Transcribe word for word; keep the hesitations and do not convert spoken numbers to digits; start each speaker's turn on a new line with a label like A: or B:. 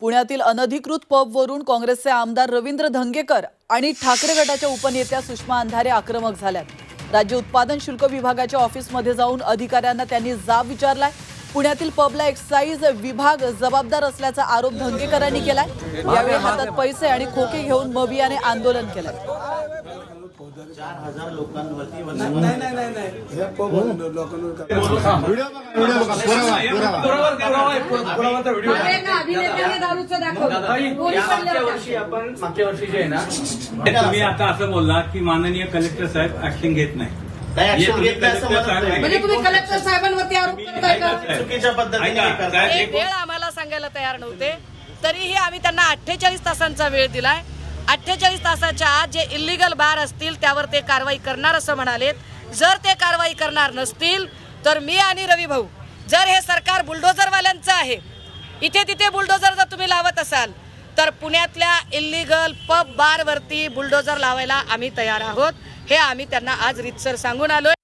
A: पुण्यातील अनधिकृत पबवरून काँग्रेसचे आमदार रवींद्र धंगेकर आणि ठाकरे गटाच्या उपनेत्या सुषमा अंधारे आक्रमक झाल्यात। राज्य उत्पादन शुल्क विभागाच्या ऑफिसमध्ये जाऊन अधिकाऱ्यांना त्यांनी जाब विचारलाय। पुण्यातील पबला एक्साइज विभाग जबाबदार असल्याचा आरोप धंगेकरांनी केलाय। यावेळी हातात पैसे आणि खोके घेऊन मवियाने आंदोलन केलंय।
B: चार हजार लोकांवरती नाही नाही नाही नाही हे पब लोकांवर व्हिडिओ व्हिडिओ
C: अभिनेत्याने दारूचं दाखवलं।
B: मागच्या वर्षी आपण मागच्या वर्षी जे आहे ना
D: तुम्ही आता असं बोलला की माननीय कलेक्टर साहेब ऍक्शन घेत नाही।
C: म्हणजे तुम्ही कलेक्टर साहेबांवरती आरोप करताय का?
B: चुकीच्या पद्धतीने
C: एक वेळ आम्हाला सांगायला तयार नव्हते, तरीही आम्ही त्यांना अठ्ठेचाळीस तासांचा वेळ दिलाय। अठ्ठेचाळीस तासाच्या आत जे इल्लीगल बार असतील त्यावर ते कारवाई करणार असं म्हणालेत। जर ते कारवाई करणार नसतील तर मी आणि रवी भाऊ, जर हे सरकार बुलडोझरवाल्यांचं आहे, इथे तिथे बुलडोझर जर तुम्ही लावत असाल तर पुण्यातल्या इल्लीगल पब बारवरती बुलडोझर लावायला आम्ही तयार आहोत। हे आम्ही त्यांना आज रीतसर सांगून आलोय।